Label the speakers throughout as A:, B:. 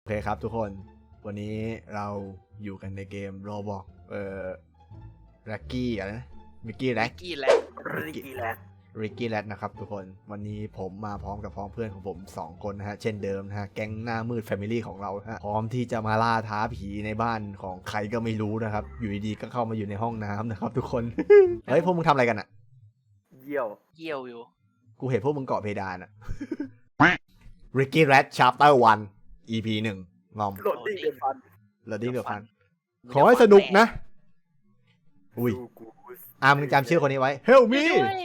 A: โอเคครับทุกคนวันนี้เราอยู่กันในเกม Robloxแร็กกี้อะไรนะมิกกี้แร็ก
B: กี้แหละ
A: ริกกี้แร็กนะครับทุกคนวันนี้ผมมาพร้อมกับพ้องเพื่อนของผม2คนนะฮะเช่นเดิมนะฮะแก๊งหน้ามืดแฟมิลี่ของเราฮะพร้อมที่จะมาล่าท้าผีในบ้านของใครก็ไม่รู้นะครับอยู่ดีๆก็เข้ามาอยู่ในห้องน้ำนะครับทุกคน เฮ้ยพวกมึงทำอะไรกันอะ
C: เยี่ยว
B: อยู่
A: กูเห็นพวกมึงเกาะเพดานอะ Ricky Rat Chapter 1 EP 1งอม
C: โหลดดิ้งเดือดฟัน
A: แล้วดิ้งเดือดฟันขอให้สนุกนะอุ้ย
C: ดูกู
A: มึงจำชื่อคนนี้ไว้ Help me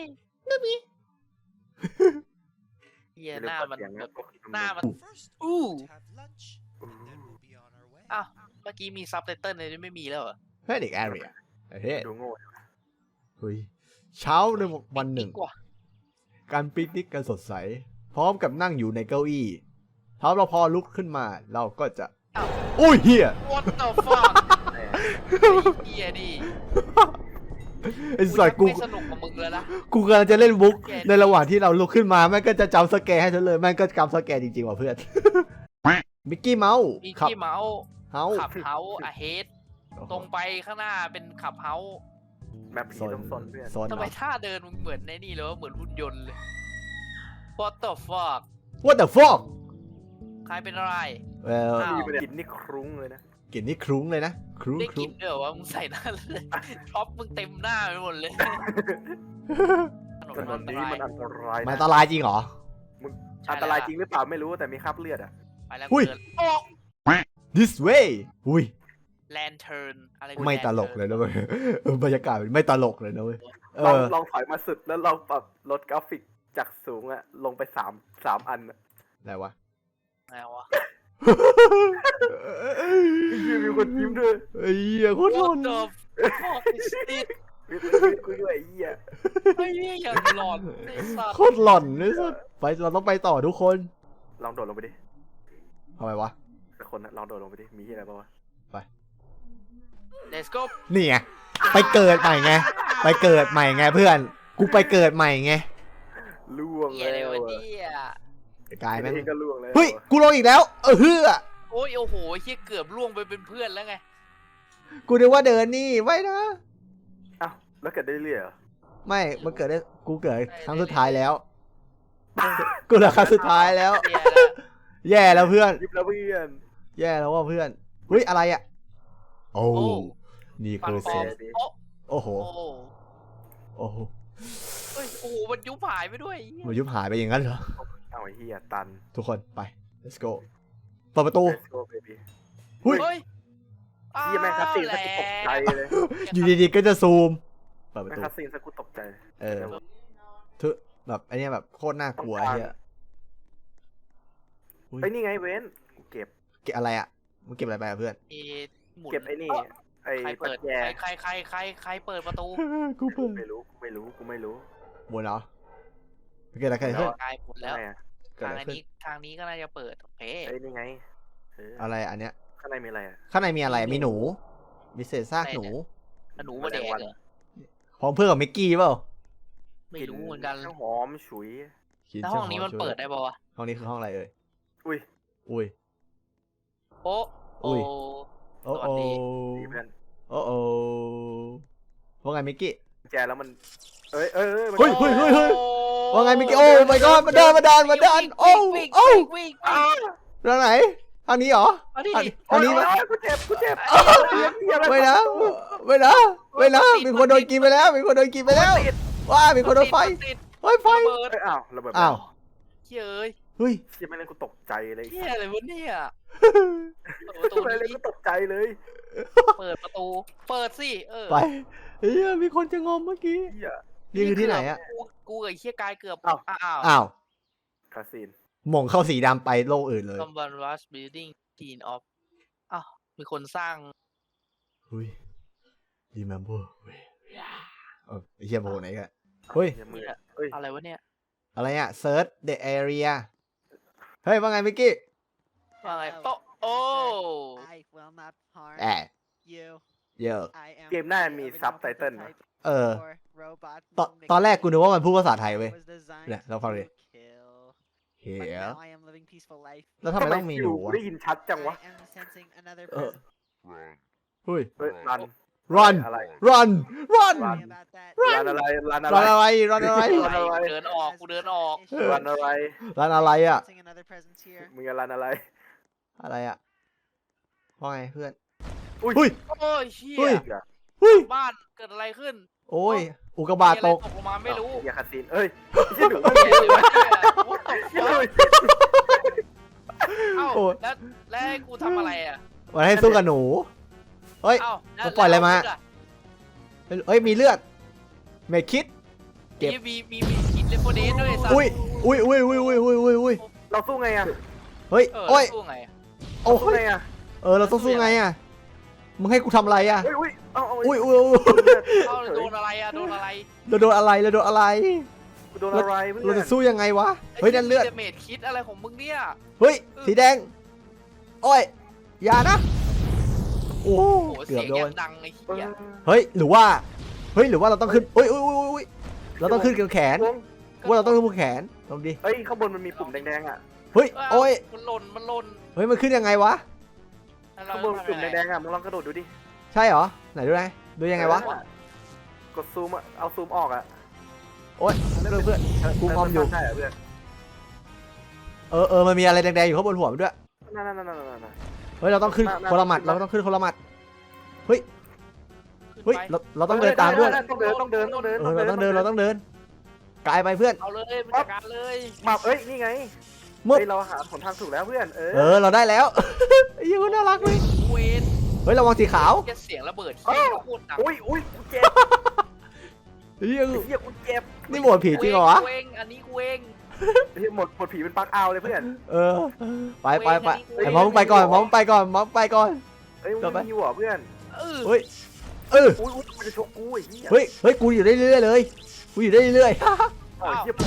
B: เฮียหน้ามัน
C: เสียง
B: แบ
C: นะ
B: บหน้ามันอู้อ้าวเมื่อกี้มีซับไตเติ้ลเลยไม่มีแล้วเหรอ
A: เฮ้ยเด็กแอเรียเฮ้ย
C: ดูโง่
A: เฮ้ยเช้าในวันหนึ่ง
B: ดีกว่า
A: การปิกนิกกันสดใส พร้อมกับนั่งอยู่ในเก้าอี้ถ้าเราพอลุกขึ้นมาเราก็จะอุ้ยเฮีย
B: What the fuck
C: แหม
B: เฮียดิ
A: ไอ้สัตว์กู
B: ไม่สนุกกับมึงแล้วนะ
A: กูกำลังจะเล่นบุ๊กในระหว่างที่เราลุกขึ้นมาแม่งก็จะจำสแกร์ให้ฉันเลยแม่งก็จำสแกร์จริงๆว่ะเพื่อน มิกกี้เมาส์
B: มี
A: ขับ
B: ที่เมาส์
A: เฮา
B: ขับเฮาอะเฮดตรงไปข้างหน้าเป็นขับเฮา
C: แบบผีต้องซนเพื่อน
A: โซน
B: ทำไมท่าเดินมึงเหมือนในนี่เลยวะเหมือนหุ่นยนต์เลย What the fuck
A: What the fuck
B: ใครเป็นอะไร
A: well
B: อ้าว
C: มีประเด็นนี่ครุ้งเลยนะ
A: กลิ่นนี่ครุ้งเลยนะครุ้ง
B: ได้
A: ค
B: ก
A: รุ้
B: ลิ
A: ง
B: นเด้อว่ามึงใส่หน้าเลยท็อปมึงเต็มหน้าไปหมดเลยถนน
C: ถน
B: อั
C: น
B: นต
C: นี้
B: ราย
C: มันอันตราย
A: มันอัน
C: นะ
A: ตรายจริงเหรอ
C: อันตรายจริงหรือเปล่าไม่รู้แต่มีคราบเลือดอ่ะ
B: ไปแล้ว
A: หุ้ย
B: เกินโอ้
A: this way อุ้ย
B: แลนเทิร์นอะไร
A: ไม่ตลกเลยนะเว้ยบรรยากาศไม่ตลกเลยนะเว้ยเอ
C: ลอง
A: อ
C: ลองถอยมาสุดแล้วลองปรับลดกราฟิกจากสูงอะลงไปสามอันอะ
A: อะไรวะ
B: ไงวะ
C: มีคนยิ้มด้วย
A: ไอ้เหี้ยโคตรหลอน
B: What the fuck is this
C: มีกูด้วยไอ้เหี้ย
B: ไอ้เหี้ยอย่างหลอนไอ้สัตว์
A: โคตรหลอนเลยสุดไปเราต้องไปต่อทุกคน
C: ลองโดดลงไปดิ
A: ทำไมวะ
C: แต่คนนะลองโดดลงไปดิมีที่อะไรบ้างวะ
B: Let's go
A: นี่ไงไปเกิดใหม่ไงไปเกิดใหม่ไงเพื่อนกูไปเกิดใหม่ไง
C: ล่วง
B: เหี้ย
C: แล้
B: เลยว
C: อะ
B: เนี่ย
A: กลายแม่ง
C: เองก็ล่วงแล้ว
A: เฮ้ยกูลงอีกแล้วเฮือ
B: โอ้ยโอ้โหเหี้ยเกือบล่วงไปเป็นเพื่อนแล้วไง
A: กูนึกว่าเดินนี่ไม่นะ
C: อ้าวแล้วเกิดได้เรื่อยเหรอ
A: ไม่มันเกิดได้กูเกิดครั้งสุดท้ายแล้วกูเหลือครั้งสุดท้ายแล้ว
B: เหี้ยแล้ว
A: แย่แล้วเพื่อน
C: ยิบแล้วเพื่อน
A: แย่แล้วว่าเพื่อนเฮ้ยอะไรอ่ะโอ้
B: โอ้
A: นี่
B: ปั
A: คื
B: ง
A: อ
B: ป
A: เซ
B: อม
A: น
B: โอ้
A: โอ้โห
B: โอ้
A: โอ้โห
B: เฮ้ยโอ้โหมันยุบหายไปด้วยเหี้ย
A: มันยุบหายไปอย่างนั้นเหรอ
C: เอาไอ้เหี้ยตัน
A: ทุกคนไป let's go เปิดประตู
C: Let's go baby
A: หุ้ย
B: เฮ้ย
C: เหี้ยแม่งคัสซีนสักกูตกใจเลย
A: อยู่ดีๆก็จะซูมเปิดประ
C: แม่ง
A: ตู
C: คัสซีนสักกูตกใจ
A: เออทุแบบไอเนี้ยแบบโคตรน่ากลัวไอ้เฮีย
C: ไอ้ยนี่ไงเว้นกูเก็บ
A: เก็บอะไรอ่ะมึงเก็บอะไรไปอะเพื่อน
B: เอ๊ะหมุน
C: เก็บไอ้นี่ไอ้
B: ใคร
C: ปัจ
B: เปิด
C: แจ
B: ใครเปิดประตู
A: กูเปิด
C: ไม่รู้กูไม่รู้
A: บนเหรอเกิดอะไรขึ้นเพื่อน
B: กายหมดแล้ว
C: ทำไมอะ
A: เกิด
B: ทาง
A: อะไร
B: อัน
A: ขึ้น
B: นี้ทางนี้ก็น่าจะเปิดโอเค
C: ไอ้ยนี่ไงเออ
A: อะไรอันเนี้ย
C: ข้างในมีอะไรอ่ะ
A: ข้างในมีอะไรมีหนูมีเศษซากหนู
B: แล้วหนูมาแดกเหรอ
A: พร้อมเพื่อนกับมิกกี้เปล่า
B: ไม่รู้เหมือนกัน
C: ข้าวหอมฉุย
A: คิด
B: แล้วห้องนี้มันเปิดได้ป่าวะ
A: ห้องนี้คือห้องอะไรเอ่ย
C: อุ้ย
A: อุ้ย
B: โอ้โอ้
A: อุ้ย โอ้
B: สวั
A: โอ้
B: สดี
C: ดีเพื่อน
A: โอ้โอ้ว่าไงมิกกี้
C: แจแล้วมันเอ้ยมัน
A: เฮ้ยเฮ้ยเฮ้ยเฮ้ย ว่าไงมิกกี้โอ้ my god มาเดินโอ้โอ้
B: วิ่ง
A: ทางไหนทางนี้เหรอ
B: อันนี้
A: ทางนี้
C: โอ้
A: ปะ
C: ยกูเจ็บ
A: ไม่นะไม่นะไม่นะมีคนโดนกินไปแล้วมีคนโดนกินไปแล้วว้ามีคนโดนไฟ
B: ติด
A: เฮ้ยไฟ
B: ระเบิด
C: เอ้ยอ้าวระเบิด
A: อ้าว
B: เฮ้ยเอ้ย
A: เฮ้ย
C: เชี่ยไม่เล่นกูตกใจเลย
B: เฮียอะไรวะเนี่ยเปิดประตู
C: ไม่เล่น
B: นี้
C: กูตกใจเลย
B: เปิดประตู เปิดสิ
A: ไปเฮ้ยมีคนจะงอมเมื่อกี้
C: เหี้ย
A: นี่คือที่ไหนอะ
B: กูกับไอ้เฮียกายเกือบ
C: อ้าว
B: อ้าว
A: อ้าว
C: คาซีน
A: หม่งเข้าสีดำไปโลกอื่นเลย
B: Someone was building teen of อ้าวมีคนสร้าง
A: เฮ้ย remember ไอ้เหี้ยโบไหนกันเฮ้ย
C: มือเฮ้ย
B: อะไรวะเนี่ย
A: อะไรอะ search the area เฮ้ยว่าไงมิกกี้
B: ว่าไงโอ้
D: I will not harm
A: แอะ
D: you.
A: เยอะ
D: I am
C: เกมหน้ามีซับไตเติ้ลนะ
A: เออ
D: robot
A: ตอนแรกกูนึกว่ามันพูดภาษาไทยเว้ย
D: was designed
A: เนี่ยเราฟังดิ
D: to kill. but
A: here
D: now I am living peaceful life.
A: แล้วทำไมต้องมีหนู
C: กู
A: วะ
C: ได้ยินชัดจังวะ
D: I am sensing another
A: Uh.
D: presence.
A: เฮ้ย
C: เฮ้ยรัน
A: run
C: อะไร
A: run run
C: Run.
D: Sorry about that.
C: รันอะไรรันอะ
A: run
C: ไร
A: อะไร run อะไร
B: กูเดินออก
D: Has
B: กูเดินออก
D: trust issues.
C: รันอะไร
A: run อะไรอ่ะ
D: Sensing another presence here.
C: มึงจะรันอะไร
A: อะไรอ่ะว่าไงเพื่อน
C: อุ้ย
A: อุ้ย
B: โอ้ยเชี่
A: เฮ้ย
B: ย
A: เฮ้ย
B: บ้านเกิดอะไรขึ้น
A: โอ้ย อุกกาบาตตก
B: มีอะไรตกลงมาไม่รู้
C: อย่าคาซีนเอ้ยไม่ใช่หนู
B: เหี้ยเลยวะเนี่ย What the
C: เฮ้ย
B: fuck เอ้า
A: โอ้ย
B: แล้วให้กูทำอะไรอ่ะ
A: มันให้สู้กับหนู เฮ้ย
B: เอ้าแว
A: กูปล่อยอะไรมา
B: แล้ว
A: เฮ้ย มีเลือด เมดคิด เก็บ
B: มีกินเลฟโฟเดสด้วยสัตว์
A: อุ้ย อุ้ยอุ้ยอุ้ยอุ้ยอุ้ยอุ้ยอุ้ย
C: เราสู้ไงอะ
A: เฮ้ย
B: เออ
A: โอ้ย
B: สู้ไงอะ
A: โอ้
C: สู้
A: ย
C: ไงอะ
A: เราต้องสู้ไงอ่ะ มึงให้กูทำอะไรอ่ะ
C: เฮ้ยอุ้ยเอาเอา
A: อุ้ยอุ้ยอุ้ย
B: เอ้าโดนอะไรอ่ะโดนอะไร
A: เราโดนอะไรเราโดนอะไร
C: กูโดนอะไรเพื่
A: เรา
C: อน
A: จะสู้ยังไงวะ เฮ้ยนั่นเลือด
B: เมดคิดอะไรของมึงเนี่ย
A: เฮ้ย สีแดง โอ้ย อย่านะ โอ้
B: โอ้โห
A: เกื
B: เสี
A: อย บ
B: ง
A: โด
B: แย
A: น
B: บดังไอ้
C: เอ
B: เหี้ย
C: อ
A: เฮ้ย หรือว่าเราต้องขึ้นอุ้ยอุ้ยอุ้ยอุ้ยเราต้องขึ้นกับแขน ว่าเราต้องขึ้นบนแขนลองดิ
C: เฮ้ยข้างบนมันมีปุ่มแดงๆอะ
A: เฮ้ย โอ้ย
B: มันหล่น
A: เฮ้ย มันขึ้นยังไงวะ
B: แล้ว
C: ข้างบน
B: ทำ
C: ปุ่ม
B: ยังไง
C: แดงๆอะมึงลองกระโดดดูดิ
A: ใช่เหรอ ไหนดูไงดูยังไงวะ
C: กดซูมอะเอาซูมออกอะ
A: โอ๊ยเพื่อน กูงอมอยู่
C: ใช่เหรอเพื่อน
A: มันมีอะไรแดงๆอยู่ข้างบนหัวมันด้วย
C: นั่น
A: เฮ้ย เราต้องขึ้นคนละหมัด เราต้องขึ้นคนละหมัด เฮ้ย
B: ขึ้นไป
A: เราต้องเดินตามด้วย
C: ต้องเดิน
A: เราต้องเดิน กลายไปเพื่อน
B: เอาเลยมันจัดการเลย
C: มาเอ้ยนี่ไง
A: มึบ
C: เฮ้ยเราหาหนทางถูกแล้วเพื่อน
A: เราได้แล้ว ไอ้ยี่คนน่ารักเลย
B: เวน
A: เฮ้ย ระวังสีขาว
B: แค่เสียงระเบิดเฮียโคตรดัง
C: อุ้ยกูเจ็บ
A: เฮ้ย
C: เฮียกูเจ็บ
A: นี่โหมดผีจริงเหรอวะ
B: กูเองอันนี้กูเอง
C: เฮียหมดผีเป็นปลั๊กเอาเลยเพื่อน
A: ไปไอ้มอมไปก่อนมอมไปก่อน
C: เฮ้ยมึงไม่มีหัวเพื่อน
A: เฮ้ย
C: อุ้ยมันจะชกกูไอ้เหี้ย
A: เฮ้ย กูอยู่ได้เรื่อยเลย กูอยู่ได้เรื่อย
C: เอ้าเหี้ย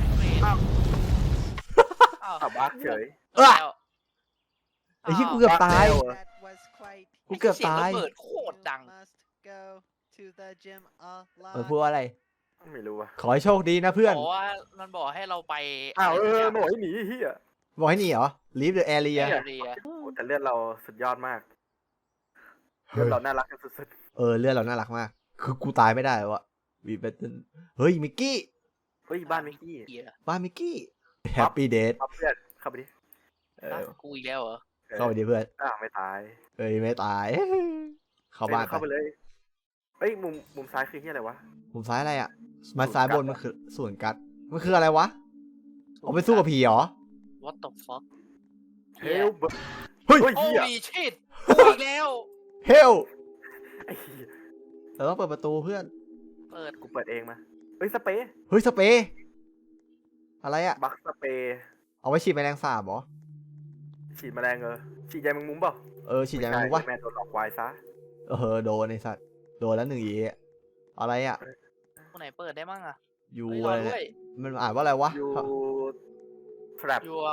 B: อ้าว
C: บักเฉย
A: ไอ้ที่กูเกือบตาย
D: That was quite.
A: กูเกือบตาย
B: เสีงระเบิดโคตรดัง
D: Must go to the gym a
A: พูด
D: lot.
A: ว่าอะไร
C: ไม่รู้ว่ะ
A: ขอให้โชคดีนะเพื่อน
B: บอกว่ามันบอกให้เราไป
C: อ้าวหน่อยหนีเฮีย
A: บอกให้หนีเหรอ leave the
B: เรี
A: area
B: ย
C: แต่เลือดเราสุดยอดมากเลือดเราน่ารักกันสุด
A: เลือดเราน่ารักมาก คือกูตายไม่ได้วะวีเบตเฮ้ย มิกกี้
C: ๆเฮ้ยบ้านมิกกี้
A: บ้านมิกกี้ Happy Date
C: ครับเพื่อนเข้าไปดิ
B: กูอีกแล้วเหรอ
A: เข้าไปดิเพื่อน
C: ไม่ตาย
A: ไม่ตาย เข้าบ้าน
C: เข้าไปเลยเฮ้ยมุมซ้ายคือเฮียอะไรวะ
A: มุมซ้ายอะไรอ่ะมาซ้ายบนมันคือส่วนกัด มันคืออะไรวะ เอาไปสู้กับผีเหรอ
B: What the fuck
C: เฮล
A: เฮ้ย
C: เฮีย
B: Holy shit กูอีกแล้ว
A: Hell
C: ไอ้เหี้ย
A: เราต้องเปิดประตูเพื่อน
B: เปิด
C: กูเปิดเองมาเฮ้ยสเปรย์
A: เฮ้ย สเปรย์อะไรอ่ะ
C: บักสเปรย์
A: เอาไว้ฉีดแมลงสาบเหรอ
C: ฉีดแมลงฉีดยาแมงมุมเปล่า
A: ฉีดยาแมงมุมวะ
C: แม่โดนหลอกวายซะ
A: โดนไอ้สัตว์ โดนแล้ว1 อีอะไรอ่ะ
B: กูไหนเปิดได้มั่งอะ
A: ยู
B: เฮ้ย
A: อะไร
B: รอด้
A: เนี่
B: วย ย
A: มันอ่านว่าอะไรวะ
C: ยูทรัพ
B: ยัว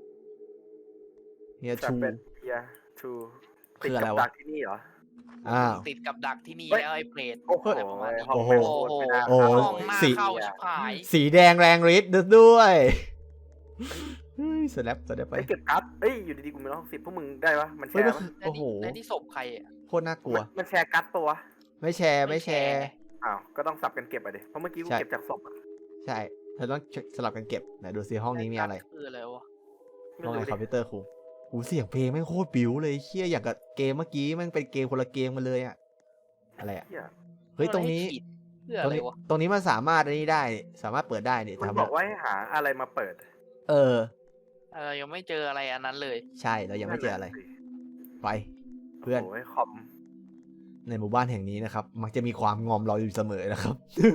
A: เฮีย
C: ทรัพ
A: ชู
C: เป็นเฮียทู
A: คืออะไรวะ
C: ดักที่นี่เหรอ
A: อ้าว
B: ติดกับดักที่นี่
C: เฮ้ย
B: แล้วไอ้เปรต
C: โอ้โห
B: อะไรประมาณนี้
C: ห้อง
A: โอ้โห
C: แม่งโคตรไม่น่า
A: โอ้โห
C: เข้า
B: ห้องหน้า
A: สี
B: เข้าชิบหาย
A: สีแดงแรงฤทธิ์ด้วยเฮ้ยสแนปไป
C: ไอ้เก็บการ์ดเอ้ยอยู่ดีๆกูมี160พวกมึงได้ปะมันแช
A: เฮ้ย
C: ร์
A: มัน
C: ปะ
A: คือ
B: และ
A: โอ้โห
B: นี่และนี่ศพใครอะ
A: โคตรน่ากลัว
C: มันแชร์การ์ดตัว
A: ไม่แชร์
C: อ้าวก็ต้องสับกันเก็บไปดิเพราะเมื่อกี้กู
A: ใช่
C: เก็บจากศพอะ
A: ใช่เธอต้องสลับกันเก็บไหนดูซิห้องนี้มีอะไร
B: คืออะไรวะ
C: ไม่
A: ห้องไหน
C: รู้
A: คอม
C: ดิ
A: พิวเตอร์ครูหูเสียงเพลงแม่งโคตรบิ้วเลยเชี่ยอย่างกับเกมเมื่อกี้แม่งเป็นเกมคนละเกมกันเลยอะอะไรอะ
C: เหี้ย
A: เฮ้ยตรงนี้
B: ให้ขีดเพื่อ
A: ตร
B: อะ
A: ง
B: ไร
A: นี้
B: วะ
A: ตรงนี้มันสามารถอันนี้ได้สามารถเปิดได้นี่
C: มัน
A: ทำ
C: บอกว่าให้หาอะไรมาเปิด
B: ยังไม่เจออะไรอันนั้นเลย
A: ใช่เรายังไม่เจออะไรไป เพื่อน
C: โอ้ยคอม
A: ในหมู่บ้านแห่งนี้นะครับ มักจะมีความงอมเราอยู่เสมอนะครับ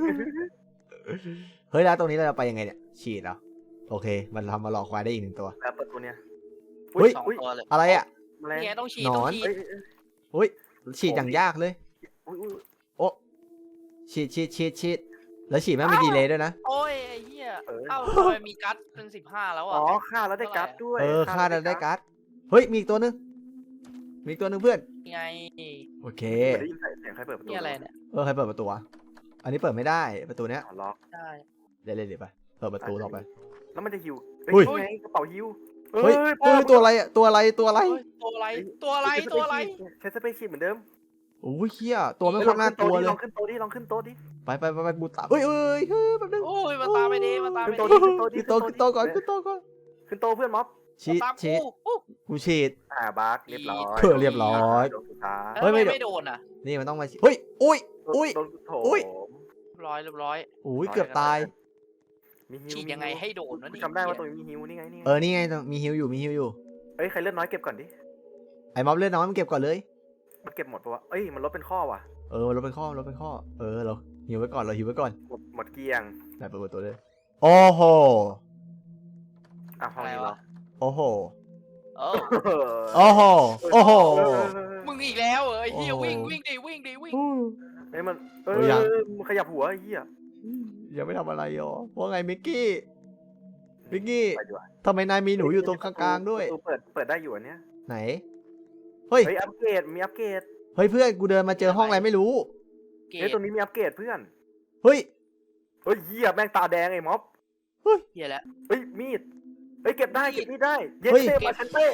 A: เฮ้ยแล้วตรงนี้เราจะไปยังไงเนี่ยฉีดเหรอโอเค มันทำมาหลอกควายได้อีก1 ตัว
C: แล้วประตูเนี่ย
A: เฮ้ย
B: สองตัวเลย
A: อะไรอ่ะ
C: แมลง
B: นี่ไงต้องฉีด
A: หนอน
B: ต้องฉีด
C: เอ้ย
A: ฉีดอย่างยากเลย
C: อุ้ย
A: โอ้ฉีดแล้วฉีดแม่งมีดีเลย์ด้วยนะ
B: โอ้ยไอ้เหี้ยเอ้าทำไมมีกั๊ดเป็น15แล้ว
C: อ๋
B: อ่ะ
C: อฆ่าแล้วได้การ์ดด้วย
A: ฆ่าได้การ์ดเฮ้ยมีอีกตัวนึงเพื่อน
B: ไง
A: โอเค
C: ได้ยินเสียงใครเปิดประตู
B: นี่อะไรเนี่ย
A: ใครเปิดประตูวะอันนี้เปิดไม่ได้ประตูเนี้ย
C: อ๋อล็อก
B: ใช่
A: เดี๋ยวไปเปิดประตูต่อไป
C: แล้วมันจะฮิว
A: อุ้ย
C: นี่ไงกระเป๋าฮิว
A: เฮ้ยเฮ้ยตัวอะไรอะตัวอะไรตัวอะไร
B: เฮ้ยตัวอะไรตัวอะไรตัวอะไร
C: ใช้สเปซชีพเหมือนเดิม
A: โอ้ยเฮียตัวไม่ค่อยน่ากลัวเลย
C: ลองขึ้นโต๊ะดิลองขึ้นโต๊ะดิ
A: ไปกูตามเฮ้ยแป๊บนึง
B: โอ้ยมาตามไปดิมาตามไป
C: ขึ้น
B: ดิ
C: โต๊ะดิ
A: ขึ้นโต๊ะก่อนขึ้นโต๊ะก่อน
C: ขึ้นโต๊ะเพื่อนม็อบ
A: ฉีด
B: ตาม
A: ฉีด
B: กู
A: กูฉีด
C: บักเรียบร้อย
A: เรียบร้อย
C: โดนสุดท้าย
A: เฮ้ยไม่
B: ไม่โดนอ่ะ
A: นี่มันต้องมาฉีดเฮ้ยอุ้ย อุ้ย
C: โดนโถ
A: อุ้ย
B: เรียบร้อย
A: โอ้ยเกือบตาย
C: มีฮิว
B: ฉีดยังไงให้โดนวะ
C: กู
B: นี่
C: จำได้ว่าตรงนี้มีฮิวนี่ไงนี่ไง
A: นี่ไงมีฮิวอยู่
C: เอ้ยใครเลือดน้อยเก็บก่อนดิ
A: ไอ้ม็อบเลือดน้อยมันเก็บก่อนเลย
C: มันเก็บหมดปะวะเอ้ยมันลดเป็นข้อว่ะ
A: เราเป็นข้อเราหิวไว้ก่อนเราหิวไว้ก่อน
C: หมดเกลี้ยง
A: ไหนเปิดประตูเลยโอ้โห
C: อ่ะห้องนี้เหรอ
A: โอ้โห
B: เออ
A: โอ้โหโอ้โห
B: มึงอีกแล้วเอ้ยเฮีย
A: โอ้โห
B: วิ่งดิวิ่ง
C: เฮ้ยมันมันขยับหัวไอ้เหี้ย
A: ยังไม่ทำอะไรหรอว่าไงมิกกี้มิกกี้
C: ไปดีกว่า
A: ทำไมนายมีหนูอยู่ตรงกลางๆด้วย
C: ประตูเปิดได้อยู่อันเนี้ย
A: ไหนเฮ้ย
C: เฮ้ยอัปเกรดมีอัปเกรด
A: เฮ้ยเพื่อนกูเดินมาเจอห้องอะไรไม่รู้
B: เก
C: เฮ้ย
B: ต
C: ตรงนี้มีอัปเกรดเพื่อน
A: เฮ้ย
C: เฮ้ยเหี้ยแม่งตาแดงไอ้ม็อบ
B: เฮียแล้ว
C: เฮ้ยมีดเฮ้ยเก็บได้เก็บมีดได้เย็
A: เฮ้ย
C: เต้มาเชนเต้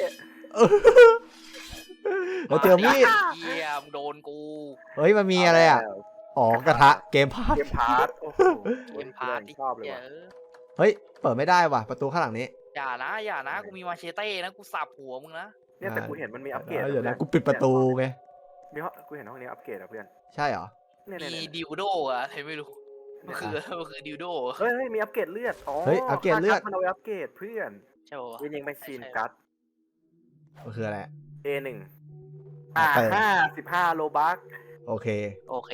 A: เราเจอมีด
B: เฮียมึงโดนกู
A: เฮ้ยมันมีอะไรอ่ะอ๋อกระทะเกมพาร์ท
C: เกมพาร์ทโอ้โห
B: เกมพาร์ท
C: ชอบเลย
B: เหี้ย
C: ว่ะ
A: เฮ้ยเปิดไม่ได้ว่ะประตูข้างหลังนี้
B: อย่านะกูมีมาเชเต้นะกูสับหัวมึงนะ
C: เนี่ยแต่กูเห็นมันมีอัปเกรด
A: เดี๋ยวนะกูปิดประตูไง
C: มีห้องกูเห็นห้องนี้อัปเกรดอะเพื่อน
A: ใช่เหรอ
C: เนี่ย
B: มีดิวโดอะใครไม่รู้มันคือดิวโด
C: เฮ้ยมีอัปเกรดเลือดอ๋อ
A: เฮ้ยอัปเกรดเลือด
C: มันเอาไว้อัปเกรดเพื่อน
B: ใช่ปะ
C: เวนยิงไปซีนกัด
A: มันคืออะไร
C: A1
A: เปิด
C: 15โลบัก
A: โอเค
B: โอเค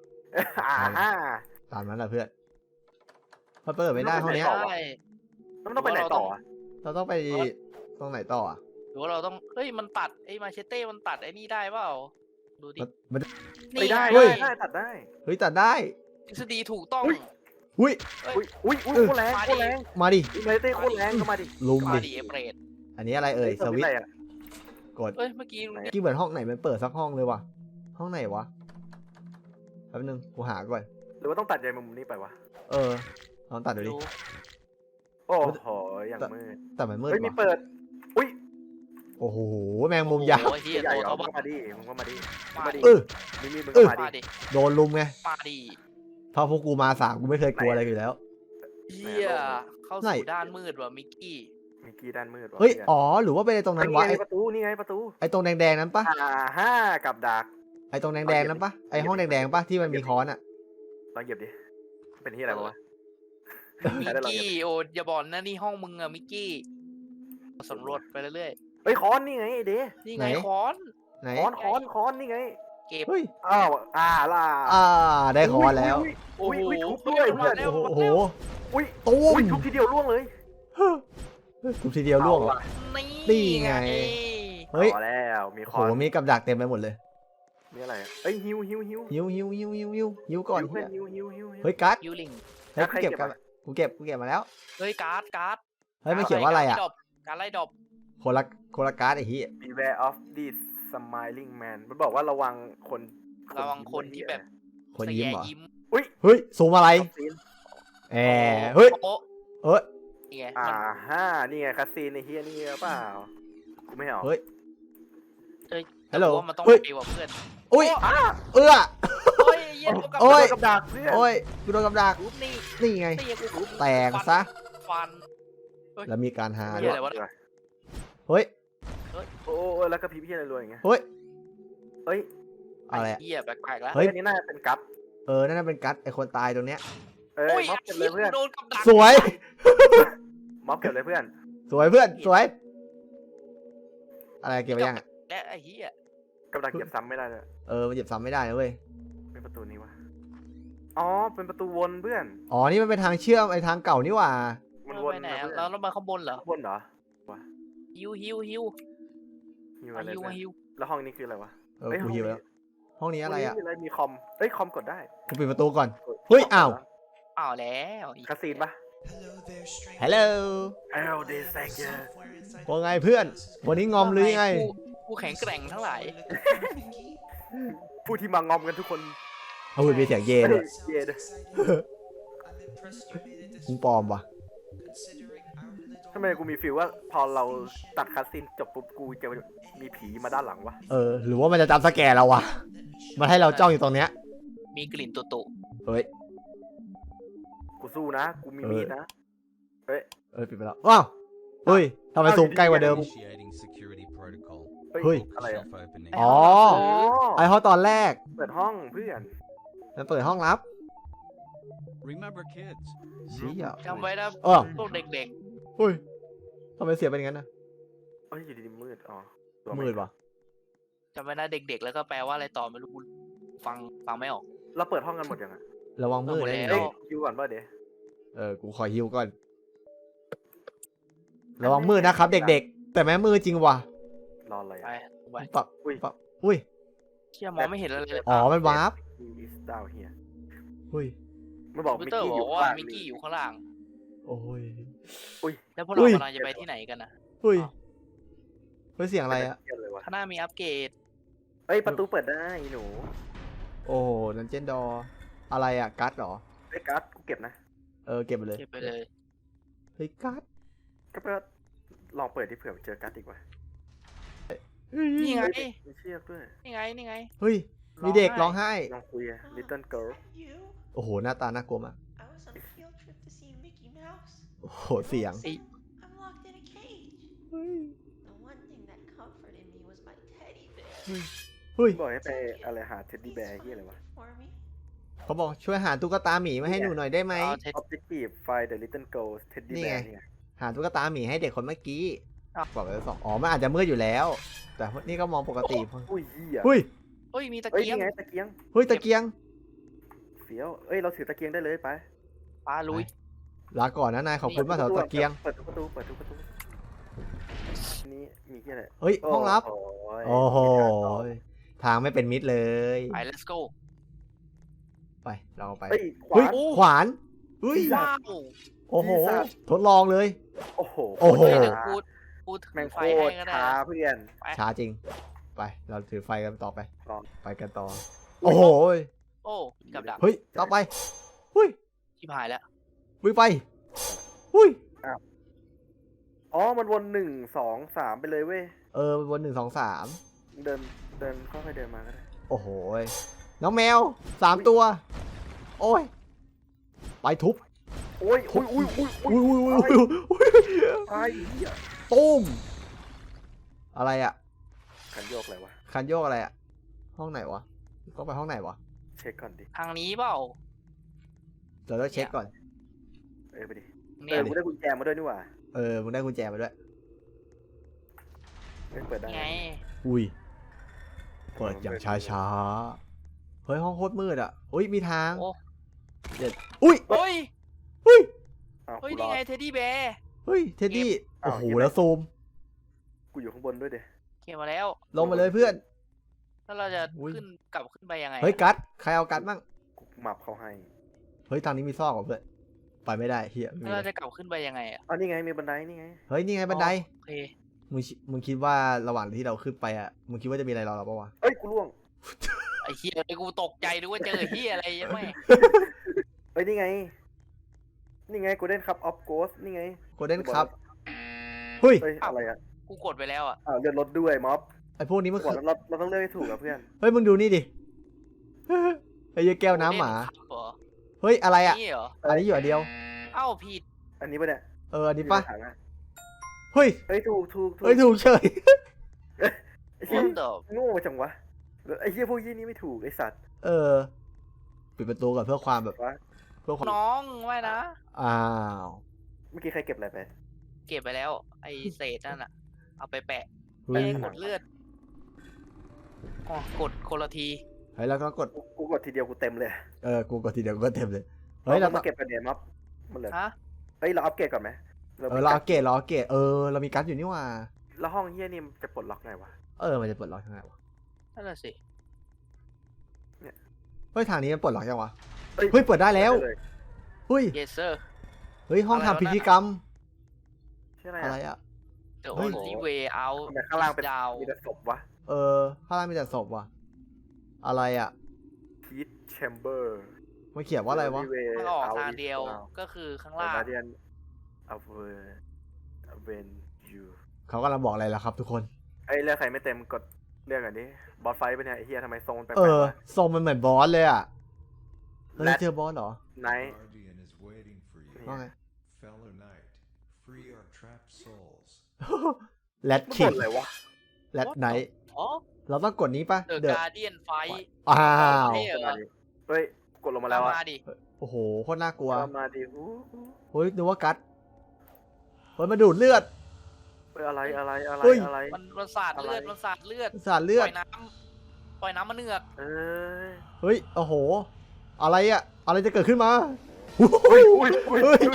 A: ตามนั้นแหละเพื่อนมันเปิดไม่ได้ห้องเนี้ย
B: ได้
C: แล้วมันต้องไปไหนต่ออะ
A: เราต้องไปตรงไหนต่ออ่ะ
B: หรือว่าเราต้องเฮ้ยมันตัดไอ้มาเชเต้มันตัดไอ้นี่ได้เปล่าดูดิ
A: มัน
C: ไปได้
A: เฮ้ย
C: ได้ตัดได้
A: เฮ้ยตัดได้
B: ทฤษฎีถูกต้อง
A: อุ้ย
C: อุ้ยโคตรแรงโคตรแรง
A: มาดิ
C: อินเทอร์เต้โคตรแรงก็มาดิ
A: ลุม
B: มา
A: ดิ
B: ดิเอเปรด
A: อันนี้อะไรเอ่ยสวิตช์
C: อะไรอะ
A: กด
B: เอ้ยเมื่อกี้มึง
A: กี่เหมือนห้องไหนมันเปิดสักห้องเลยว่ะห้องไหนวะแป๊บนึงกูหาก่อน
C: หรือว่าต้องตัดใยมุมนี้ไปวะ
A: ลองตัดดูดิ
B: รู้
C: โอ้โหอย่างมืด
A: แต่มันมืด
C: เฮ้ยมี
A: ว่ะ
C: เปิดอุ้ย
A: โอ้โหแมงมุมยักษ์
B: โอ้เฮีย
C: ใหญ่
B: ตัว
C: เหรอ
B: เขา
C: มึ
B: บ้าง
C: ก็มาดิมึงก็มาดิ
B: มาดิ
A: เออ
C: มีมีดมึง
A: เอ
C: ก็
A: อ
C: มาดิ
B: มาดิ
A: โดนลุมไง
B: มาดิ
A: เพราะพวกกูมาสามกูไม่เคยกลัวอะไรอยู่แล้ว
B: เฮียเข้า
A: ไหน
B: สู่ด้านมืดว่ะมิกกี้
C: มีกี้ด้านมืดวะ
A: เฮ้ย
C: พื่น
A: อ๋อหรือว่าไปตรงนั้นวะ
C: นี่ไงประตูนี่ไงประตู
A: ไอ้ตรงแดงๆนั้นปะ
C: กับดัก
A: ไอ้ตรงแดงๆนั้นปะไอ้ห้องแดงๆปะที่มันมีค้อนอ่ะ
C: ลองเหยียบดิเป็นที่อะไรวะ
B: มิกกี้โอ้อย่าบอกนะนี่ห้องมึงอะมิกกี้สำรวจไปเรื่อย
C: เฮ้ยค้อนนี่ไงไอ้เด้
B: ๆนี่ไงค้อน
A: ไหน
C: ค้อนนี่ไง
B: เก็บ
A: เฮ้ย
C: อ้าวล่ะ
A: ได้ค้อนแล้ว
C: อุ้ยทุบด้วยเพื่อน
A: โอ้โห
C: อุ้ย
A: ตุ้
C: อุ้ย
A: ม
C: ทุบทีเดียวล่วงเลย
A: ทุบทีเดียวล่วงเหรอ นี่ไง เฮ้ย
C: พอแล้วมี
A: โอ้
C: ค้อน
A: โหมีกับดักเต็มไปหมดเลย
C: มีอะไรเอ้ยฮิว
A: หิวก่อน
C: เพื่อน
A: เหี้ย
C: ฮิว
A: เฮ้ยการ์ด
B: ยูริง
A: เฮ้ย
C: ใคร
A: กูเก็บ
C: เก็บ
A: กัน
C: อะ
A: กูเก็บมาแล้ว
B: เฮ้ยการ์ด
A: เฮ้ยมันเขียนว่าอะไรอ่ะ
B: การไล่ดอก
A: คนละการ์ดไอ้เหี้ย
C: Beware of this smiling man มันบอกว่าระวังคน
B: ระวังคนที่แบบ
A: คนยิ้มเหรอ
B: ยิ้ม
A: เฮ้ยซูมอะไร
C: ซีน
A: แหมเฮ้ย
B: โป๊ะ
A: เอ้ย
B: นี่ไง
C: นี่ไงคาซีนในเฮียนี่เปล่ากูไม่เอา
A: เฮ้ย
B: ฮัลโหลมันต้อง
A: เฮ้ย
B: ไปว่าเพื่อน
A: อุ้ยเอื้อ
B: เฮ้ยเหี้ย
A: โอ้ย
C: กับดักเพื่อน
A: โอ้ยกูโดนกับดัก
B: รูปนี่
A: นี่ไง
B: นี่กู
A: แตกซะ
B: ฟัน
A: แล้วมีการหา
B: เหี้
A: ด้วย
B: อะไรวะ
A: เฮ้ย
C: โอ้แล้วก็พีพี่อะไรรวยอย่างเงี้ย
A: เฮ้ย
C: เอ้ย
A: อะไรอะ
B: เหี้ยแปลกๆแล้ว
A: เฮ้ย
C: อันนี้น่าจะเป็นกั๊บ
A: นั่นนะเป็นกัดไอคนตายตรงเนี้ย
B: โอ้ย
C: ม็อบเก็บเลยเพื่อน
B: โดนกับดัก
A: สวย
C: ม็อบเก็บเลยเพื่อน
A: สวยเพื่อนสวย อะไรเก็บไปยังอะ
B: และไอ้เหี้ย
C: กับดักเก็บซ้ำไม่ได้เลย
A: มันเก็บซ้ำไม่ได้นะเว้ย
C: เป็นประตูนี้วะอ๋อเป็นประตูวนเพื่อน
A: อ๋อนี่มันเป็นทางเชื่อมไอทางเก่านี่หว่า
C: มัน
B: เรา
C: วน
B: ไปไหน
C: นะ
B: อะ
C: เพื่อน
B: เราต้องมาข้างบนเหรอ
C: วนเหรอ
B: ฮิว
C: ฮิวอะไร
B: ฮิว
C: เพื่อน
B: ฮิว
C: แล้วห้องนี้คืออะไรวะ
A: กูหิวแล้วห้องนี้อะไรอ่ะ
C: ห้งนี้มีคอมเอ้ยคอมกดได้
A: กูปิดประตูก่อน เฮ้ยอ้าว
B: อ้าวแล้ว
C: คาซีนปะ
A: ฮัลโหล
C: Hello this sector
A: ว่าไงเพื่อน วันนี้งอมหรือไง
B: กูแข็งแกร่งทั้งหลาย
C: ผู้ที่มางอมกันทุกคน
A: เอาหุ่นมีเสียงเย่ด้วย
C: เย่ด้วย
A: มึงปลอมว่ะ
C: ทำไมกูมีฟีลว่าพอเราตัดคัสซีนจบปุ๊บกูจะมีผีมาด้านหลังวะ
A: หรือว่ามันจะจำสแกนเราวะมันให้เราจ้องอยู่ตรงเนี้ย
B: มีกลิ่นตุ
A: เฮ้ย
C: กูสู้นะกูมีมีดนะเฮ้ย
A: ปิดไปแล้วว้าวเฮ้ยทำไมซูมใกล้กว่าเดิม
E: Initiating security protocol.
A: เฮ้ย
C: อะไรอะ
E: Self opening.
A: อ๋อ ไอห้องตอนแรก
C: เปิดห้องเพื่อน
A: มันเปิดห้องลับ
E: Remember, kids.
A: เชี่ย
B: จำไว้นะ
A: อ้อ
B: พวกเด็ก
A: เฮ้ยทำไมเสียงเป็นอย่างนั้นนะ
C: เอ้ยอยู่ดีๆมืดอ๋อตัว
A: มืดวะ
B: ๆจำไว้นะเด็กๆ แล้วก็แปลว่าอะไรต่อไม่รู้ฟังไม่ออก
C: เราเปิดห้องกันหมดยังอะ
A: ระวังมืด
B: หมด
A: นะ
B: แล้ว
C: เอ้ยคิวก่อนป่ะเดี๋ยว
A: กูขอฮิวก่อน ระวังมืดนะครับเด็กๆ แต่แม้มืดจริงว่ะ
C: รออะไร
B: ไป
C: อะ
B: ไป
A: ปับ
C: อุ้ย
A: ปับอุ้ย
B: เชี่ยมองไม่เห็นอะไรเลย
A: อ๋อ มันวาร์ป
C: อีสดาวเฮีย
A: อุ้ย
C: มันบอก
B: คอมพิ
C: มิ
B: ว
C: ก
B: เตอร์
C: กี้
B: บ
C: อยู่
B: อกว่า
C: ข้าง
B: มิกกี้อยู่ข้างล่าง
A: โอ้ย
B: แล้วพวกเรา
A: อุ้ย
B: กำลังจะไปที่ไหนกันนะ
A: อุ้ยเฮ้ยเสียงอะไรอะ
C: เหี้ยเลยวะ
B: ข้างหน้ามีอัปเกรด
C: เอ้ยประตูเปิดได้อีหนู
A: โอ้โหนันเจนดออะไรอะกัดเหรอ
C: ไอ้ยการ์ดกูเก็บนะ
A: เก็บไปเลย
B: เก็บไปเลย
A: เฮ้ยกัด
C: ก็ไปลองเปิดที่เผื่อเจอการ์ดอีกว่ะ
B: นี่ไง
C: มีเชือกด้วย
B: นี่ไง
A: เฮ้ย มีเด็กร้องไห้
C: ลองคุยอะ little girl
F: You?
A: โอ้โห หน้าตาน่ากลัวมาก
F: I was on a field trip to see Mickey Mouse.
A: โอ้โห เสียง
F: I'm locked in a cage. The one thing that comforted me was my teddy bear.
A: เฮ้ย
C: บอกให้ไปอะไรหาเท็ดดี้แบร์ที่อะไรวะ
F: For me.
A: เขาบอกช่วยหาตุ๊กตาหมีมาให้หนูหน่อยได้ไหม
B: เอาเท
C: objective find the little girl teddy
A: นี่ไง
C: bear เนี่ย
A: หาตุ๊กตาหมีให้เด็กคนเมื่อกี้
B: อ้าว
A: บอกไปแล้ว2อ๋อ มันอาจจะมืดอยู่แล้ว แต่นี่ก็มองปกติ
C: อุ้ยเหี้ย
A: เฮ้ย
B: เฮ้ยมีตะ
C: เอ้ย
B: เกียง
C: นี่ไงตะเกียง
A: เฮ้ย ตะเกียง
C: เสียวเอ้ยเราถือตะเกียงได้เลยไป
B: ปลาลุย
A: ลาก่อนนะนาย ขอบคุณมากสำหรับตะเกียง
C: เปิดทุกประตูเปิดทุกประตูนี่มีที่อะไร
A: เฮ้ย ห้องลับ
C: ย
A: โอ้โห ทางไม่เป็นมิตรเลย
B: ไป let's go
A: ไป เราไป
C: เฮ้ยข
A: เฮ้
C: วาย น
A: ขวานเฮ้ย
B: ว้าว
A: โอ้โห
C: ปีศาจ
A: ทดลองเลย
C: โอ้โห
A: โอ้โห
B: เฮ้ย
C: โคตร
B: เดี๋ยว
C: ช้า
B: กูถื
C: แม่ง
B: อ
C: โค
B: ไฟให้
C: ตร
B: ก็ได้
C: ช้าเพื่อน
A: ช้าจริง ไป เราถือไฟกันต่อไป
C: ต่อ
A: ไปกันต่อ โอ้โห
B: โอ้กับดัก
A: เฮ้ย ต่อไปเฮ้ย
B: ชิบหายแล้ว
A: วิ่งไปหุ้ย
C: อ๋อมันวน1 2 3ไปเลยเว้ย
A: วน1 2 3
C: เดินค่อยๆเดินมาก็ได้
A: โอ้โหยน้องแมว3 ตัว โอ้ย ไปทุบ
C: โอ้ยอุ้ยอุ้ยอุ้ยอุ้ย
A: อุ้ย
C: ตายเหี้ย
A: ตุ้ม อะไรอะ
C: ขันโยกอะไรวะ
A: คันโยกอะไรอะห้องไหนวะต้องไปห้องไหนวะ
C: เช็คก่อนดิ
B: ทางนี้เปล่า
A: เดี๋ยวเราเช็คก่อน
C: ไปดิ
B: เนี่ย
C: กูได้กุญแจมาด้วยนี่หว่า
A: มึงได้กุญแจมาด้วย
C: เอ้ยเปิดได้
B: นี่ไง
A: อุ้ย เปิดอย่างช้าๆ เฮ้ยห้องโคตรมืดอะอุ้ยมีทาง
B: โอ้
A: เด็ดอุ้ย
B: เฮ้ย
A: อุ้ย
C: อ้าว
B: เฮ้ย
C: กูร
B: นี่
C: อ
B: ไงเท็ดดี้แบร์
A: เฮ้ย เท็ดดี้
C: อ้าว
A: โอ้โห
C: เห็นไหม
A: แล้วซูม
C: กูอยู่ข้างบนด้วยเด้
B: เก็บมาแล้ว
A: ลงมาเลยเพื่อน
B: แล้วเราจะ
A: อุ้ย
B: กลับขึ้นไปยังไง
A: เฮ้ยกัดใครเอากัดมั่ง
C: กูมับเขาให้
A: เฮ้ยทางนี้มีซอกเหรอเพื่อน ไปไม่ได้เฮียไม่
B: แล้ว
A: มี
B: เราจะกลับขึ้นไปยังไงอ่ะ
C: อ๋อนี่ไงมีบันไดนี่ไง
A: เฮ้ยนี่ไงบันได
B: โอเค
A: มึงคิดว่าระหว่างที่เราขึ้นไปอะมึงคิดว่าจะมีอะไรรอเราปะวะ
C: เอ้ยกูล่วง
B: ไอ้เฮียไอ้กูตกใจนึกว่าเจอเฮียอะไรยังไม่
C: เอ้ยนี่ไง นี่ไงกูเล่นครับออฟโกสนี่ไง
A: โกลเด้นครับเฮ้ย
C: เอ้ยอะไรอ่ะ
B: กูกดไปแล้วอ่ะ
C: อ้าวเลื่อนรถด้วยม็อบ
A: ไอพวกนี้มัน
C: บอก
A: คือ
C: แล้วเราต้องเลือกให้ถูกอะเพื่อน
A: เฮ้ยมึงดูนี่ดิ ไอ้เหี้ยแก้วน้ำหมา
B: เล่ครับเหรอ
A: เฮ้ยอะไรอะ
B: นี่เหรอ
A: อันนี้อยู่อันเดียว
B: เอ้าผิด
C: อันนี้ปะเนี่ย
A: อันนี้ปะ
C: อยู่ในถังอ
A: เฮ้ย
C: เฮ้ยถูก
A: เฮ้ยถูกเฉย
C: ไอ้เหี้ย
B: What the
C: โง่จังวะไอ้เหี้ยพวกยี่นี่ไม่ถูกไอ้สัตว์
A: ปิดประตูก่อนเพื่อความแบบ
C: วะ
A: เพื่อความ
B: น้องไม่นะ
A: อ้าว
C: เมื่อกี้ใครเก็บอะไรไป
B: เก็บไปแล้ว ไอ้เศษนั่นอ่ะ เอาไปแปะ
A: เฮ้
B: ไม่
A: ย
B: ได้กดเลือดอ๋อกดคนละที
A: เฮ้ยแล้วก็กด
C: กูกดทีเดียวกูเต็มเลย
A: กูกดทีเดียวกูก็เต็มเลย เฮ้ยเรา
C: มาเก็บกันเนี่ยม็อบมันเหลือ
B: ฮะ
C: เฮ้ยเราอัปเกรดก่อนไหม
A: เราเอาเกตเรามีการ์ดอยู่นี่หว่า
C: แล้วห้องเหี้ยนี่มันจะปลดล็อกไงวะ
A: มันจะปลดล็อกยังไงวะ
B: นั่นแหละสิ
A: เฮ้ยทางนี้มันปลดล็อกยังวะ
C: เฮ้ย
A: เฮ้ยเปิดได้แล้ว
C: เลย
A: เฮ้ย
B: yes sir
A: เฮ้ยห้อง
B: อะไรวะ
A: ทำพิธีกรรม
C: ชื่ออะไร
A: อะไร
C: อะ
A: อะ
B: the
A: เฮ้ย
B: only way out
C: ทำไมข้างล่างเป็น
B: is down
C: มีแต่ศพวะ
A: ข้างล่างมีแต่ศพว่ะ อะไรอะ
C: ทีทแชมเบอร์
A: มันเขียนว่าอะไรวะ
B: มันออกทางเดียวก็คือข้างล่าง
C: การเดียนเอาเวอร์ when you
A: เขากำลังบอกอะไรล่ะครับทุกคน
C: เอ้ยเลือกใครไม่เต็มกดเลือกอันนี้บอสไฟท์ไปเนี่ยไอ้เฮียทำไมทรงมันแปลก
A: เออ
C: ๆวะ
A: ทรงมันเหมือนบอสเลยอ่ะเฮ้ย
C: และ
A: เจอบอสเหรอ
C: ไนท์
G: Guardian is waiting for you.
A: ว่าไง
G: Fellow Knight, free our trapped souls.
A: แรด
C: มัน
A: คิ
C: บ่
A: ด
C: นอะไรวะ
A: แรดไนท์
B: อ๋อ
A: เราต้องกดนี้ปะ
B: เดอะ
A: เดอะ
B: การเดียนไฟ
A: อ้าว
B: เท่เหรอ
C: เฮ้ยกดลงมาแล้วอะ
B: มาดิ
A: โอ้โหโคตรน่ากลัว
C: มาดิอู้
A: เฮ้ยนึกว่ากัดเฮ้ยมาดูดเลือด
C: เฮ้ยอะไรอะไรอะไร
A: เฮ้ย
C: อะไร
B: มันสาดเลือด
C: อะไร
B: มันสาดเลือด
A: สาดเลื
B: ป
A: อ
B: ล่
A: ด
B: อยน้ำมันเนือก
C: เอ้ย
A: เฮ้ยโอ้โห อะไรอะอะไรจะเกิดขึ้นมา
C: อุ้ยอุ้ยอุ้ย
A: เฮ้ย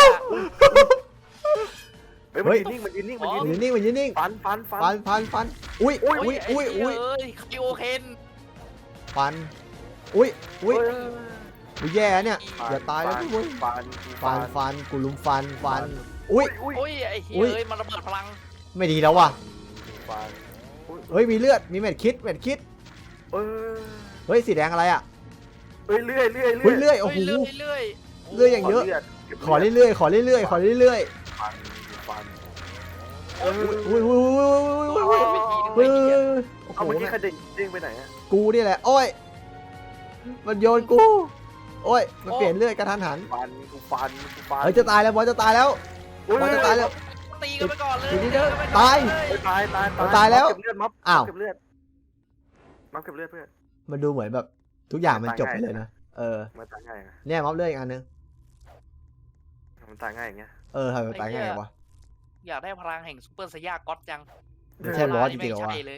C: เฮ้ยมันยืนนิ่งมันยืนนิ่งมันยืน
A: มันยื
C: นิ่ง
A: นนิ่งมันยืนนิ่ง
C: ฟันฟันฟัน
A: ฟันอุ้ย
C: อุ้
A: อุ้
C: ย
A: ยอุ้ยอุ้ย
B: เอ้ยคาริโอเคน
A: ฟันอุ้ยอุ้ย
C: เฮ้
A: อุ้ยแย่เนี่ย
C: ฟัน
A: อย่าตายแล้วทุกคน
C: ฟัน
A: กูลุมฟันอุ้ย
C: อุ้ย
B: โอ้ยไอ้เฮ้
A: อุ้ย
B: ยมันระเบิดพลัง
A: ไม่ดีแล้วว่ะ
C: ฟันอุ้ย
A: เฮ้ยมีเลือดมีเม็ดคิด
C: เอ้ย
A: เฮ้ยสีแดงอะไรอะ
C: เอ้ยเลื่อยเลื่อย
A: เฮ้ยเลื่อยโอ้โห
B: เรื่อยเรื่อย
A: เลื่อยอย่างเยอะ ขอเรื่อยๆขอเรื่อยๆขอเรื่อย
C: ฟันฟัน
B: โอ้ย
A: ๆอุ้ยอุ้ยอุ้ยอุ้ย
B: โอ้
A: อุ้ย
B: ย
A: อุ้ย
B: ไปทีนึง
A: อุ้ย
B: ไปที
A: โอ้โห
C: เอาเมื่อกี้ใครเด้งไปไหนอะ
A: กูนี่แหละโอ้ยมันโยนกูโอ้ยมันเปลี่ยนเลือดกระทันหัน
C: ฟันกูฟันกูฟัน
A: เฮ้ยจะตายแล้วบอสจะตายแล้ว
C: อุ้ย
A: บอสจะตายแล้ว
B: ตีกันไปก่อนเลย
A: ทีนี้เด้อ
B: ไปก่อน
A: ตาย
B: เล
C: เฮ้ยตายตาย
A: ตายแล้ว
C: เก็บเลือดม็อบ
A: อ้าว
C: เก็บเลือดม็อบเก็บเลือดเพื่อน
A: มันดูเหมือนแบบทุกอย่างมันจบไปเลยนะเออ
C: มันตายง่ายนะ
A: เนี่ยม็อบเลือดอีกอันนึง
C: มันตายง่ายอย่างเงี้ย
A: เออทำไมมันตายง่ายวะ
B: อยากได้พลังแห่งซูเปอร์ไซย่าก็อตจัง
A: ไม่ใช่บอสจริงๆเหรอวะ
B: ไม่ใช่เลย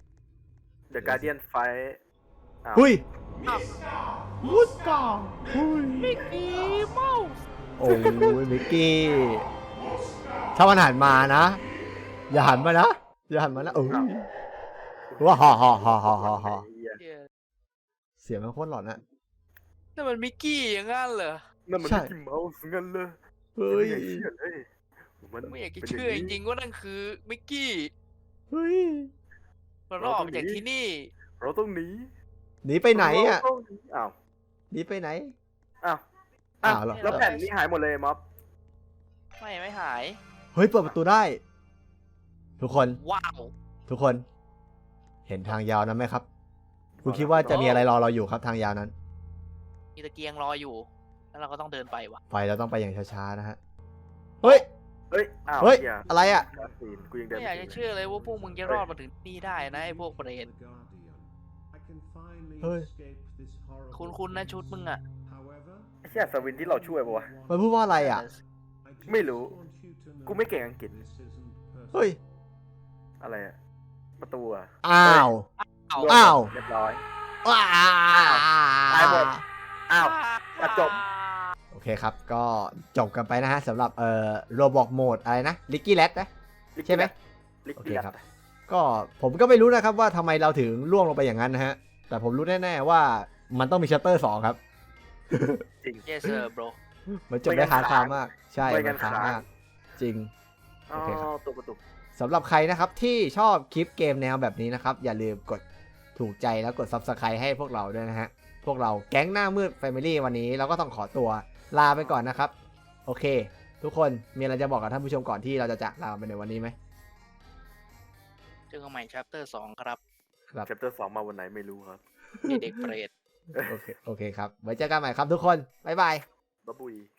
C: The Guardian Fight อ้าว
A: หุ้ย
B: อ้าว
A: วุ้ดก่าหุ้ย
B: มิกกี้เมาส์
A: โอ้ยมิกกี้ถ้ามันหันมานะ อย่าหันมานะอย่าหันมานะเออว้าฮ่าฮ่าฮ่าฮ่าฮ่าฮ่า
C: ไอ้เหี้ย
B: เหี้ย
A: เสียงมันโคตรหลอนอะ
B: นั่นมันมิกกี้อย่างงั้นเหรอ
C: นั่นมัน
A: ใช่
C: มิกกี้เมาส์งั้นเลย
A: เฮ้ย
C: ไม่อยากเชื่อเลยมัน
B: ไม่อยากจะเชื่อจริงๆว่านั่นคือมิกกี้
A: เฮ้ย
B: มันออกจากที่นี่
C: เราต้องหนี
A: หนีไปไหนอะ
C: เราต้องหนีอ้าว
A: หนีไปไหน
C: อ้าว
A: อ้าวเหรอ
C: แล้วแผ่นนี้หายหมดเลยม็อบ
B: ไม่หาย
A: เฮ้ยเปิดประตูได้ ทุกคน
B: ว้าว
A: ทุกคน เห็นทางยาวนั้นไหมครับ คุณคิดว่าจะมีอะไรรอเราอยู่ครับทางยาวนั้น
B: มีตะเกียงรออยู่ แล้วเราก็ต้องเดินไปว่ะ
A: ไฟเราต้องไปอย่างช้าๆนะฮะ เฮ้ย
C: เฮ้ยอ้าว
A: เฮ้ย
C: หี้
A: อะไรอะ
C: คาซีนกูยังเดิน
B: ไม่อยากจะเชื่อเลยว่าพวกมึงจะรอดมาถึงนี่ได้นะไอ้พวกเปรต
G: The Guardian, I can finally
A: Ơi.
G: escape this horrible
B: คุ้นๆนะชุดมึงอะ
G: However,
C: ไอ้เชี่ยสวินที่เราช่วยปะวะ
A: มันพูดว่าอะไรอะ
G: I just
C: ไม่รู้
G: want you to know
C: กูไม่เก่งอังกฤษ
G: this isn't personal.
A: เฮ้ย
C: อะไรอะประตูอะ
A: อ้าว
B: เอา
A: อ้าว
C: เรียบร้อย
A: ว้า
C: ตายหมด อ้าวกระจก
A: โอเคครับ ก็จบกันไปนะฮะสำหรับโรบอกโหมดอะไรนะลิกกี้แรดนะ ใช่ไหม
C: ลิก
A: โอ
C: กี้
A: เคครับ ก็ผมก็ไม่รู้นะครับว่าทำไมเราถึงล่วงลงไปอย่างนั้นนะฮะ แต่ผมรู้แน่ๆว่ามันต้องมีชัตเตอร์2ครับ
C: จริง
B: yes sir bro
A: มันจบได้ค้างคามาก ใช่
C: ไม่
A: มั
C: งั้
A: น
C: น
A: ค้าง
C: ค้าง
A: มาก จริง
C: อ๋อ
A: โอเคครับ
C: ตัวประตู
A: สำหรับใครนะครับที่ชอบคลิปเกมแนวแบบนี้นะครับ อย่าลืมกดถูกใจแล้วกด Subscribe ให้พวกเราด้วยนะฮะ พวกเราแก๊งหน้ามืด Family วันนี้เราก็ต้องขอตัวลาไปก่อนนะครับ โอเค ทุกคนมีอะไรจะบอกกับท่านผู้ชมก่อนที่เราจะจากลาไปในวันนี้ไหม
B: เจอกันใหม่ chapter 2 ครับ
A: ครับ
C: แชปเตอร์2มาวันไหนไม่รู้ครับ
B: เด็กเปรต
A: โอเคครับ ไว้เจอกันใหม่ครับทุกคน บ๊ายบาย
C: บ๊ายบุย